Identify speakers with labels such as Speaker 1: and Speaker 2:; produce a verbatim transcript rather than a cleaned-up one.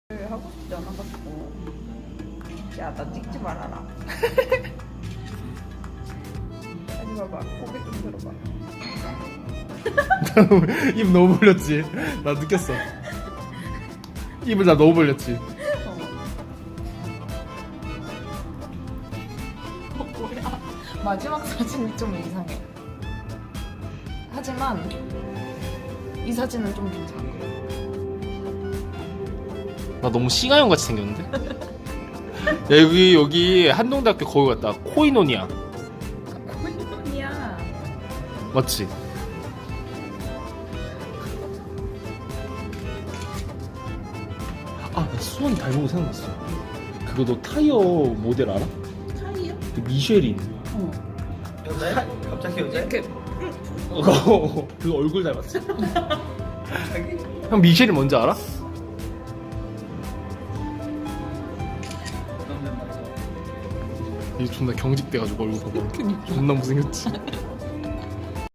Speaker 1: 하고 싶지 않아가지고. 야, 나 찍지 말아라. 아니 봐봐, 고개 좀 들어봐.
Speaker 2: 입 너무 벌렸지? 나 느꼈어. 입을 나 너무 벌렸지?
Speaker 3: 어, 뭐야? 마지막 사진이 좀 이상해. 하지만 이 사진은 좀 괜찮아.
Speaker 2: 나 너무 싱하형 같이 생겼는데? 야, 여기 여기 한동대학교 거기 같다. 코이노니아.
Speaker 3: 코인이야.
Speaker 2: 맞지? 아, 나 수원 닮은 거 생각났어. 그거 너 타이어 모델 알아?
Speaker 3: 차이요?
Speaker 2: 그 미쉐린.
Speaker 3: 어.
Speaker 1: 여자애? 갑자기 여자애?
Speaker 3: 이렇게
Speaker 2: 어, 그 얼굴 닮았지?
Speaker 1: 갑자기?
Speaker 2: 형 미쉐린 뭔지 알아? 이 존나 경직돼가지고 얼굴 봐봐. 존나 못생겼지?